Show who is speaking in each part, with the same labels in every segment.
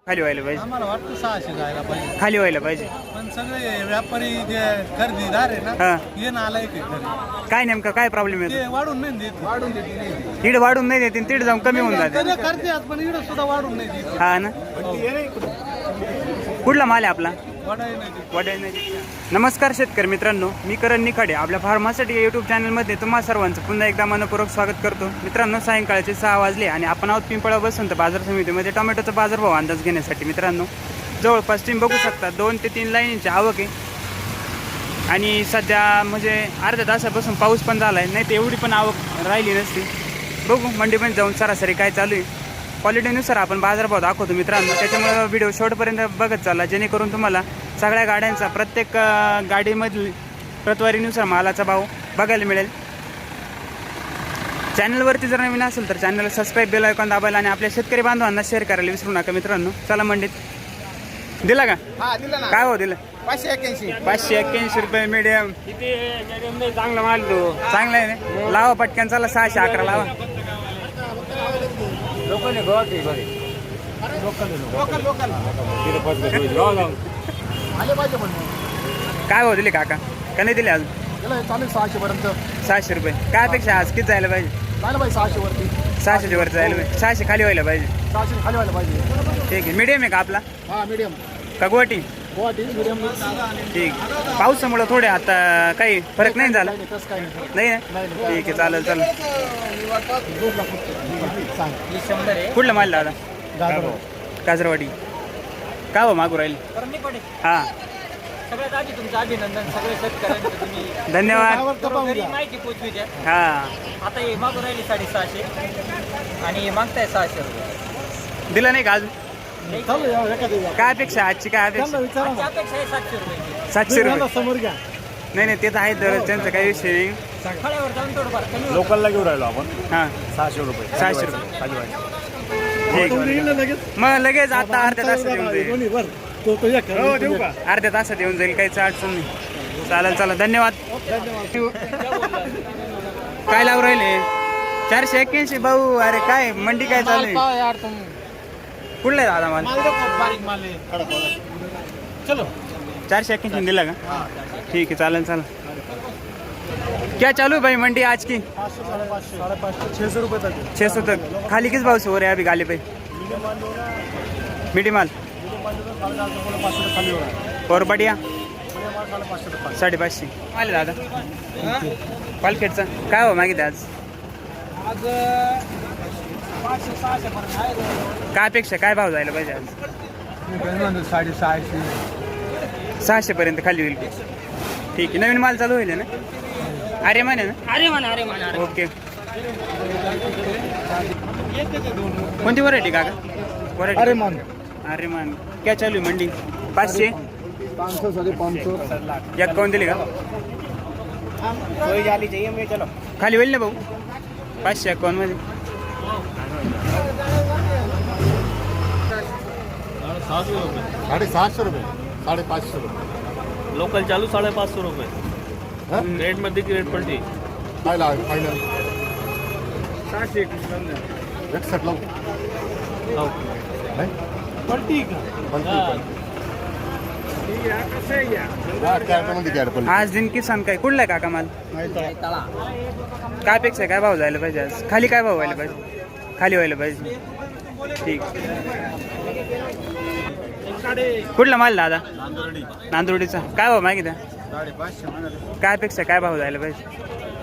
Speaker 1: खाली व्हायला पाहिजे,
Speaker 2: आम्हाला वाटतं 600 जायला पाहिजे,
Speaker 1: खाली व्हायला पाहिजे.
Speaker 2: पण सगळे व्यापारी जे खरेदीदार आहे ना
Speaker 1: हा
Speaker 2: हे नालायक आहे खरे.
Speaker 1: काय नेमकं काय प्रॉब्लेम येतो?
Speaker 2: ते वाढून नाही देत,
Speaker 1: तीड वाढून नाही देते, तीड जाऊन कमी होऊन जाते.
Speaker 2: ते करते पण इकडे सुद्धा वाढून नाही देत.
Speaker 1: हा ना. कुठला माल आहे आपला?
Speaker 2: वाढायला नाही देत.
Speaker 1: वडाई नाही. नमस्कार शेतकरी मित्रांनो, मी करण निखाडे आपल्या फार्मासाठी यूट्यूब चॅनलमध्ये तुम्हा सर्वांचं पुन्हा एकदा मनपूर्वक स्वागत करतो. मित्रांनो, सायंकाळचे 6 वाजले आणि आपण आहोत पिंपळा बसवंत बाजार समितीमध्ये टोमॅटोचा बाजारभाव अंदाज घेण्यासाठी. मित्रांनो, जवळपास तुम्ही बघू शकता 2 ते 3 लाईनीची आवक आहे आणि सध्या म्हणजे अर्ध्या तासापासून पाऊस पण झाला आहे, नाही तर एवढी पण आवक राहिली नसती. बघू मंडीमध्ये जाऊन सरासरी काय चालू आहे, क्वालिटीनुसार आपण बाजारभाव दाखवतो मित्रांनो. त्याच्यामुळे व्हिडिओ शेवटपर्यंत बघत चालला, जेणेकरून तुम्हाला सगळ्या गाड्यांचा प्रत्येक गाडीमधील प्रतवारीनुसार मालाचा भाव बघायला मिळेल. चॅनलवरती जर नवीन असेल तर चॅनलला सबस्क्राईब, बेल आयकॉन दाबायला आणि आपल्या शेतकरी बांधवांना शेअर करायला विसरू नका मित्रांनो. चला मंडीत दिला का?
Speaker 2: हा दिला ना.
Speaker 1: काय हो दिलं?
Speaker 2: 581.
Speaker 1: 581 रुपये मीडियम.
Speaker 3: चांगला माल तो
Speaker 1: चांगला आहे ना. लावा पटकन, चला 611 लावा.
Speaker 3: लोकल आहे
Speaker 2: आले पाहिजे पण
Speaker 1: काय हो दिले काका? का नाही दिले अजून?
Speaker 2: त्याला चालेल 600 पर्यंत
Speaker 1: 600 रुपये. काय अपेक्षा आज किती जायला पाहिजे?
Speaker 2: जायला पाहिजे 600 वरती.
Speaker 1: 600 वर जायला पाहिजे, 600 खाली व्हायला पाहिजे.
Speaker 2: 600 खाली व्हायला पाहिजे.
Speaker 1: ठीक आहे. मीडियम आहे का आपला?
Speaker 2: हा मीडियम
Speaker 1: का गुवाहाटी?
Speaker 2: गुवाहाटी मीडियम.
Speaker 1: ठीक. पावसामुळे थोडे आता काही फरक नाही झाला?
Speaker 2: तसं काही नाही.
Speaker 1: नाही ना. ठीक आहे, चालेल चालेल.
Speaker 2: सांग
Speaker 1: कुठला माल दादा?
Speaker 2: गाजर
Speaker 1: काजरवाडी. काय हो मागू राहील? हां,
Speaker 4: सगळ्यात आधी तुमचं अभिनंदन. सगळे शेतकऱ्यांचं तुम्ही
Speaker 1: धन्यवाद.
Speaker 4: घरी माहिती पोचवी द्या.
Speaker 1: हां,
Speaker 4: आता हे मागून राहिली 650 आणि हे मागताय 600 रुपये.
Speaker 1: दिला नाही का अजून?
Speaker 2: चालू या एका दिवशी.
Speaker 1: काय अपेक्षा आजची? काय अपेक्षा?
Speaker 2: विचारा
Speaker 4: आजची अपेक्षा आहे 700 रुपये.
Speaker 1: 700 रुपये.
Speaker 2: समोर घ्या.
Speaker 1: नाही नाही, ते तर आहे दर, त्यांचा काही विषय नाही.
Speaker 4: फळ्यावर जाऊन थोडंफार कमी होतं.
Speaker 3: लोकलला घेऊन राहिलो आपण
Speaker 1: हां,
Speaker 3: 600 रुपये.
Speaker 1: 600 रुपये.
Speaker 3: खाली व्हायचं.
Speaker 1: ठीक आहे.
Speaker 2: लगेच
Speaker 1: मग लगेच आता अर्ध्या तासात येऊन जाईल.
Speaker 2: दोन्ही वर तो एक
Speaker 3: देऊ का?
Speaker 1: अर्ध्या तासात येऊन जाईल, काहीच अडचण नाही. चालेल चला, धन्यवाद. काय लावून राहिले? 481 भाऊ. अरे काय मंडी काय चालू आहे?
Speaker 2: यार तुम
Speaker 1: कुठला आहे दादा माल?
Speaker 2: बारीक माल आहे. चलो
Speaker 1: 481 दिला का? ठीक है, चालेल चला. क्या चालू है भाई मंडी आज की?
Speaker 2: 500 550 550 600 रुपये तक.
Speaker 1: 600 तक. खाली किस भाव से हो रहे हैं अभी गाली पे? मीडियम माल
Speaker 2: खाली हो रहा है.
Speaker 1: और बढ़िया?
Speaker 2: 550
Speaker 1: 550. आले दादा पालखेडचा काय हो मागितलं आज?
Speaker 2: आज 500 600 पर्यंत आहे.
Speaker 1: काय अपेक्षा, काय भाव जायला पाहिजे आज?
Speaker 2: 650
Speaker 1: 600 पर्यंत खाली होईल. ठीक आहे. नवीन माल चालू होईल ना? अरे माने ना.
Speaker 4: अरे म्हणा
Speaker 1: ओके. कोणती व्हरायटी काका? व्हरायटी
Speaker 2: अरे मान
Speaker 1: अरे मान. क्या चालू आहे मंडी? 500
Speaker 2: 500 550
Speaker 1: या कोण दिली का? खाली होईल ना भाऊ? 551 मध्ये.
Speaker 2: 750 रुपये 550 रुपये.
Speaker 3: लोकल चालू 550 रुपये. रेट मध्ये की रेट पलटी?
Speaker 2: काय लाव फायनल 61 लाव. पलटी
Speaker 1: आज दिन किसान काय कुठला आहे काका माल? काय अपेक्षा आहे, काय भाव जायला पाहिजे आज? खाली काय भाव व्हायला पाहिजे? खाली व्हायला पाहिजे. ठीक. कुठला माल दादा? नांदुर्डीचा. काय भाव मागितला?
Speaker 2: 550
Speaker 1: काय अपेक्षा, काय भाव जायला पाहिजे?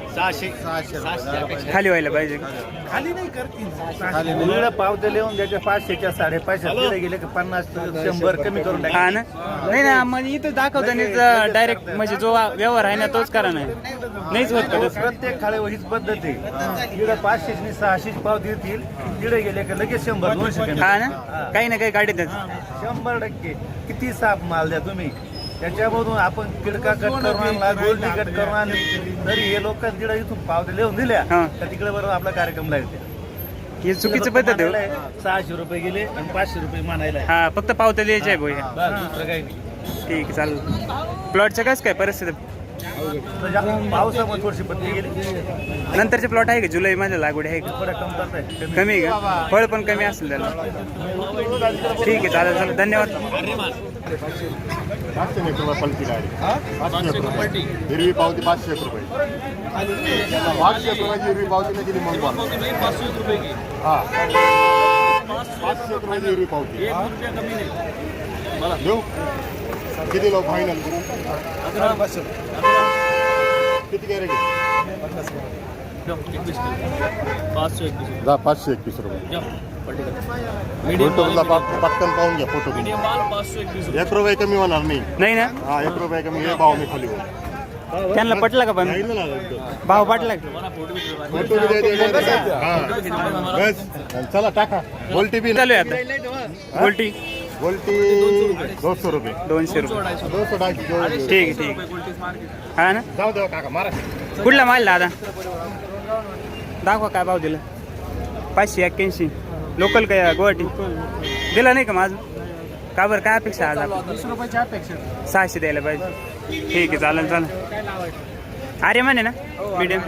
Speaker 2: 600
Speaker 1: खाली व्हायला पाहिजे.
Speaker 2: खाली नाही करतील.
Speaker 3: पावते लिहून द्यायचे 500च्या 550 गेले की 50 100 कमी करून टाका.
Speaker 1: हा ना. नाही ना, म्हणजे इथं दाखवताना डायरेक्ट म्हणजे जो व्यवहार आहे ना तोच करा, नाहीच होत का तसं?
Speaker 3: प्रत्येक खाली हीच पद्धत आहे. तिकडे 500 600 पाव देतील, तिकडे गेले की लगेच 100 200.
Speaker 1: हा ना, काही ना काही गाडीतच.
Speaker 3: 100% किती साफ माल द्या तुम्ही, त्याच्यामधून आपण किडका कट करून आणला, गोल्डी कट करून आणली, तरी हे लोक तिकडे इथून पावते लिहून दिल्या
Speaker 1: हा.
Speaker 3: तर तिकडे बरोबर आपला कार्यक्रम लागते.
Speaker 1: ही चुकीची पद्धत आहे.
Speaker 3: 600 रुपये गेले आणि 500 रुपये मानायला आहे.
Speaker 1: हा, फक्त पावत्या द्यायच्या आहे भैया.
Speaker 3: बस दुसरं काही नाही.
Speaker 1: ठीक आहे, चालेल. प्लॉटचं कसं काय परिस्थिती?
Speaker 3: पावसामुळे थोडीशी बदली गेली.
Speaker 1: नंतरचे प्लॉट आहे का जुलै मध्ये लागवड आहे का?
Speaker 3: थोड्या कमतरता आहे.
Speaker 1: कमी आहे का? फळ पण कमी असेल त्याला. ठीक आहे, चालेल चालेल, धन्यवाद.
Speaker 5: 500 रुपये पलटी गाडी. 500 रुपये हिरवी पावती 500 रुपये. 500 रुपयाची हिरवी पावती नाही दिली मग हा 500 रुपयाची हिरवी पावती देऊ. किती लोक फायनल किती कॅरेट? 521 रुपये. फोटोला पटकन पाहून घ्या. फोटो 1 रुपये कमी होणार नाही.
Speaker 1: नाही ना,
Speaker 5: हा 1 रुपये कमी हे भाव मी खाली
Speaker 1: त्यांना पटलं का? पण भाव पटला का?
Speaker 5: फोटो बस चला टाका. गोल्टी बी
Speaker 1: चालू आहे आता गोल्टी
Speaker 5: गोल्टी 200 रुपये.
Speaker 1: 200 रुपये.
Speaker 5: 200 टाकी
Speaker 1: ठीक आहे, ठीक आहे. हा ना,
Speaker 5: जाऊ देवा काका मारा.
Speaker 1: कुठला माल दादा? दाखवा काय भाव दिला. 581. लोकल काय गुवाहाटी? दिला नाही का माझं? का बरं, काय अपेक्षा आज?
Speaker 2: 20 रुपयाची अपेक्षा.
Speaker 1: 600 द्यायला पाहिजे. ठीक आहे, चालेल चालेल. अरे म्हणे ना मीडियम.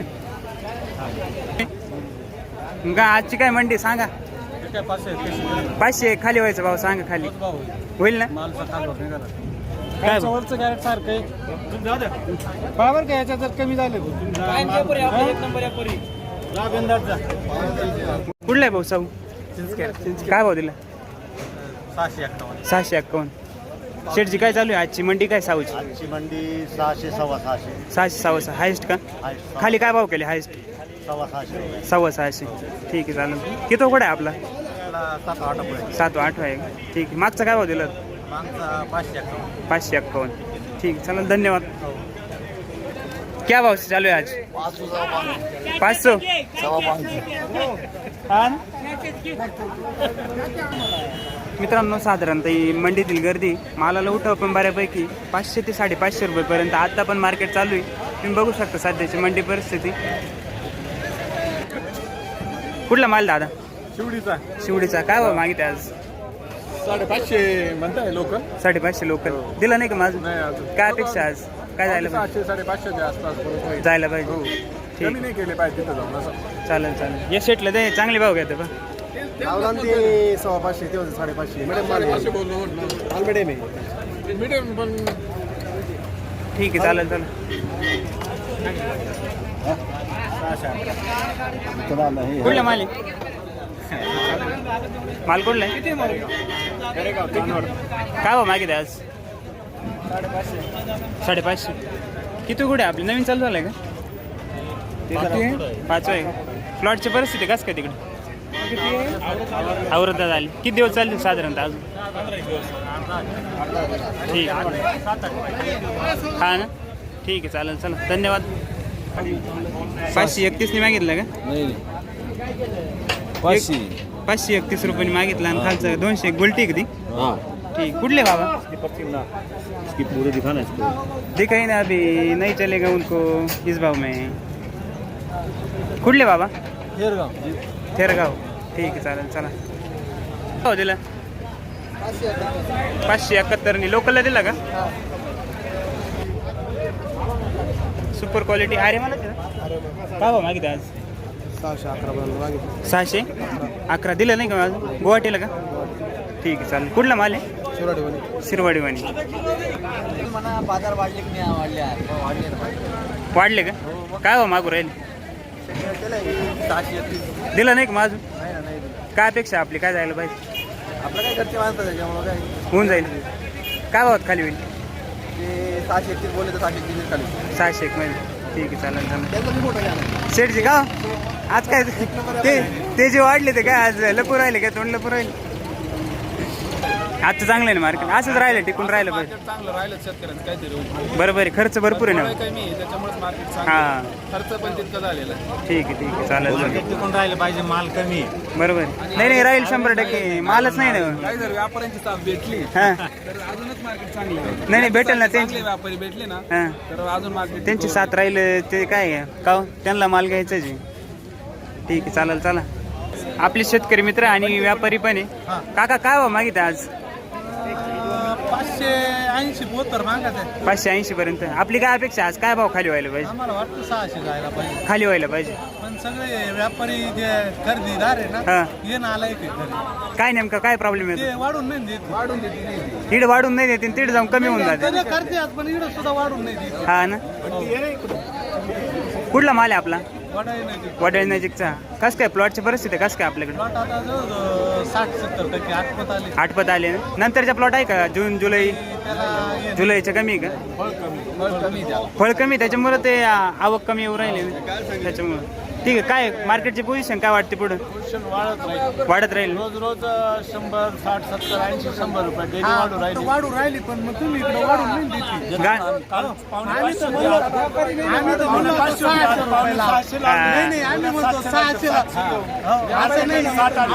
Speaker 1: का आजची काय मंडी सांगा? 500 खाली व्हायचं भाव सांगा, खाली होईल ना? काय भाव?
Speaker 2: वरचं कॅरेट सारखं आहे. बरोबर का? याच्यात जर कमी झाले
Speaker 1: कुठला आहे भाऊ साऊ? काय भाव दिला? 651. शेटची काय चालू आहे आजची मंडी? काय साऊची?
Speaker 3: आजची मंडी 600 सव्वा 600
Speaker 1: 600 हायस्ट का? खाली काय भाव केले हायस्ट?
Speaker 3: सव्वा 600 रुपये.
Speaker 1: 650. ठीक आहे, चालेल. किती कुठे आहे आपला?
Speaker 3: 7-8 रुपये.
Speaker 1: 7-8 आहे. ठीक आहे, मागचा काय भाव दिला? 551. ठीक आहे, चालेल, धन्यवाद. क्या भाव चालू आहे आज? 500. हा ना? मित्रांनो, साधारणतः ही मंडीतील गर्दी मालाला उठाव पण बऱ्यापैकी 500 ते 550 रुपयेपर्यंत आता पण मार्केट चालू आहे. तुम्ही बघू शकता सध्याची मंडी परिस्थिती. कुठला माल दादा?
Speaker 2: शिवडीचा
Speaker 1: शिवडीचा. काय भाव मागितले आज?
Speaker 2: 550 म्हणताय लोक.
Speaker 1: 550 लोकल दिला नाही का माझं?
Speaker 2: नाही अजून.
Speaker 1: काय अपेक्षा आज? काय जायला पाहिजे?
Speaker 2: 600-550 आसपास
Speaker 1: जायला पाहिजे. ठीक,
Speaker 2: कमी नाही केले पाहिजे तिथं जाऊन असं.
Speaker 1: चालेल चालेल. या सेटला दे, चांगले भाव घेते बा.
Speaker 2: ते 550 ते 550 मिडियम माल मिडियम आहे. मिडियम पण
Speaker 1: ठीक आहे, चालेल चालेल. कुठला माल आहे? माल कुठला आहे? काय भाव मागितले आज? 550. किती कुठे आपली नवीन चालू झालं आहे का? 5 आहे. प्लॉटची परिस्थिती कसं काय तिकडे? आवृत्ता झाली. किती दिवस चालतील साधारणतः अजून? ठीक. हा ना, ठीक आहे, चालेल. चला, धन्यवाद. 531 मागितलं का? 531 रुपयांनी मागितलं आणि खालचं 200. गुलटी कधी? ठीक. कुठले बाबा?
Speaker 3: पूरे दिखाना है.
Speaker 1: दिखाई ना अभी नहीं चलेगा उनको इस भाव में. कुठले बाबा? थेरगाव. ठीक आहे, चालेल. चला, हो दिला 571. लोकलला दिला का? Super quality. अरे मला काय भाव मागितलं आज? 611 दिलं नाही का माझं? गुवाहाटीला का? ठीक आहे, चालेल. कुठला माल आहे? शिरवाडीवाणी.
Speaker 4: बाजार वाढले की नाही?
Speaker 1: वाढले का? काय भाव मागू राहील?
Speaker 4: 630.
Speaker 1: दिलं नाही का माझं? काय अपेक्षा आपली? काय जायला पाहिजे?
Speaker 4: आपलं काय घरचे माणसं त्याच्यामुळे काय
Speaker 1: होऊन जाईल. काय भावात खाली होईल?
Speaker 4: ते 631 बोलले तर 630 खाली.
Speaker 1: 601 मध्ये. ठीक आहे, चालेल चालेल.
Speaker 4: त्याचं मी मोठं घ्या.
Speaker 1: शेठजी का आज काय ते जे वाढले ते काय आज लपू राहिले काय? तोंड लपू राहिले. आजचं चांगलं आहे ना मार्केट? असंच राहिलं, टिकून राहिलं पाहिजे.
Speaker 2: चांगलं राहिलं शेतकऱ्यांचं काहीतरी
Speaker 1: बरोबर आहे. खर्च भरपूर आहे ना.
Speaker 2: कमी आहे त्याच्यामुळे मार्केट
Speaker 1: हां,
Speaker 2: खर्च पण तितका झालेला आहे.
Speaker 1: ठीक आहे, ठीक आहे, चालेल चालेल.
Speaker 3: टिकून राहिलं पाहिजे. माल कमी आहे.
Speaker 1: बरोबर आहे. नाही नाही, राहील 100%. मालच नाही ना.
Speaker 2: काही जर व्यापाऱ्यांची साथ भेटली
Speaker 1: हां,
Speaker 2: तर अजूनच मार्केट चांगलं आहे.
Speaker 1: नाही नाही, भेटेल ना त्यांची.
Speaker 2: चांगले व्यापारी भेटले ना
Speaker 1: हां,
Speaker 2: तर अजून मार्केट
Speaker 1: त्यांची साथ राहील ते काय आहे का हो? त्यांना माल घ्यायचाच आहे. ठीक आहे, चालेल. चला, आपले शेतकरी मित्र आणि व्यापारी पण आहे. काका काय भाव मागितले आज?
Speaker 2: 580 72 मागत आहे
Speaker 1: 580 पर्यंत. आपली काय अपेक्षा आज काय भाव खाली व्हायला पाहिजे?
Speaker 2: आम्हाला वाटतं 600 जायला पाहिजे
Speaker 1: खाली व्हायला पाहिजे.
Speaker 2: पण सगळे व्यापारी जे खरेदीदार आहे
Speaker 1: हा.
Speaker 2: ना ये नाला एक घरी
Speaker 1: काय नेमकं काय प्रॉब्लेम येतो?
Speaker 2: ते वाढून नाही देत वाढून देते
Speaker 1: तीड वाढून नाही देते, तीड जाऊन कमी होऊन जाते.
Speaker 2: करते पण इकडं सुद्धा वाढून नाही देत
Speaker 1: हा ना. कुठला माल आहे आपला?
Speaker 2: वाढाही नाही देत
Speaker 1: वडाळी नजीकचा. कसं काय प्लॉटची परिस्थिती कसं काय आपल्याकडे?
Speaker 2: प्लॉट आता जवळ 60-70% आठवत आले
Speaker 1: आठपत आले ना. नंतरच्या प्लॉट आहे का जून जुलै
Speaker 2: त्याला
Speaker 1: जुलैच्या कमी आहे का?
Speaker 2: कमी त्याला
Speaker 1: फळ कमी त्याच्यामुळे ते आवक कमी येऊ राहिली ना त्याच्यामुळे. ठीक आहे. काय मार्केटची पोझिशन काय वाटते पुढं?
Speaker 2: वाढत राहील
Speaker 1: वाढत राहील.
Speaker 2: रोज रोज 100 60 70 80 100 रुपये डेली वाढू राहिली पण मग तुम्ही इकडे वाढून नाही देते
Speaker 1: गा
Speaker 2: आम्ही तर म्हणलो 600 रुपयाला. नाही नाही आम्ही म्हणतो 600 ला. असं नाही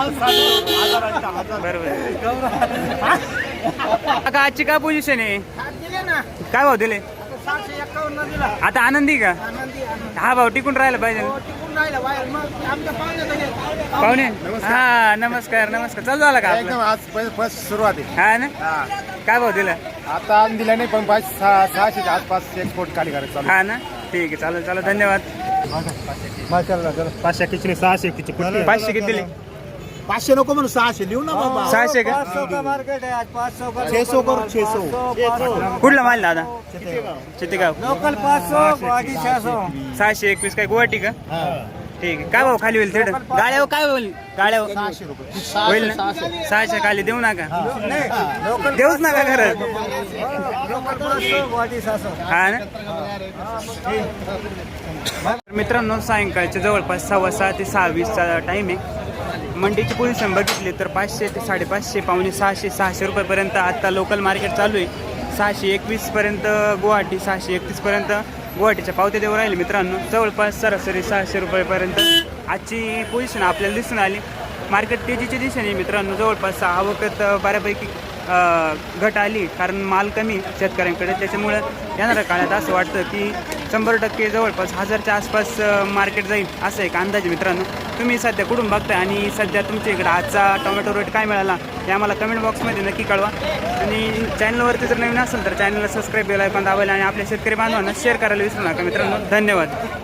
Speaker 1: बरोबर. आता आजची काय पोझिशन आहे? काय भाव दिले?
Speaker 2: 751 दिला
Speaker 1: आता आनंदी का? हा भाव टिकून राहायला पाहिजे ना.
Speaker 2: टिकून राहिला बाहेर मग आमच्या
Speaker 1: पाहुणे हा नमस्कार नमस्कार. चालू झाला का
Speaker 2: एकदम
Speaker 1: आपलं?
Speaker 2: आज फर्स्ट सुरुवात आहे
Speaker 1: हा ना. काय भाव दिला?
Speaker 2: आता आज दिला नाही पण 600 आसपास एक्सपोर्ट खाली करायचं चालू
Speaker 1: हा ना. ठीक आहे. चालेल चालेल. धन्यवाद.
Speaker 2: माशाल्लाह 500 किचने 600 किची
Speaker 1: 500 किती दिले?
Speaker 2: 500 नको म्हणून 600 लिहू ना बाबा
Speaker 1: 600 का?
Speaker 2: 600 करू 600
Speaker 1: कुठला माल दादा? चितेगाव.
Speaker 2: लोकल 500
Speaker 1: 621 काय गुवाहाटी का? ठीक आहे. काय भाव खाली होईल तिथं? गाड्यावर काय होईल? गाड्यावर
Speaker 2: 600 रुपये
Speaker 1: होईल ना. 600 खाली देऊ नका. देऊच नका खरं. हा ना. मित्रांनो सायंकाळच्या जवळपास 6:15 ते 6:20चा टाइम आहे. मंडीची पोझिशन बघितली तर 500 ते 550 पावणे 600 रुपयेपर्यंत आता लोकल मार्केट चालू आहे. 621 पर्यंत गुवाहाटी, 631 पर्यंत गुवाहाटीच्या पावत्या देऊ राहिले मित्रांनो. जवळपास सरासरी 600 रुपयेपर्यंत आजची पोझिशन आपल्याला दिसून आली. मार्केट तेजीच्या दिशेने मित्रांनो. जवळपास आवकत बऱ्यापैकी घट आली कारण माल कमी शेतकऱ्यांकडे. त्याच्यामुळं येणाऱ्या काळात असं वाटतं की 100% जवळपास 1000च्या आसपास मार्केट जाईल असं एक अंदाज मित्रांनो. तुम्ही सध्या कुठून बघताय आणि सध्या तुमच्या इकडे आजचा टोमॅटो रेट काय मिळाला हे आम्हाला कमेंट बॉक्समध्ये नक्की कळवा. आणि चॅनलवरती जर नवीन असेल तर चॅनलला सबस्क्राईब बेल आयकॉन दाबायला आणि आपल्या शेतकरी बांधवांना शेअर करायला विसरू नका मित्रांनो. धन्यवाद.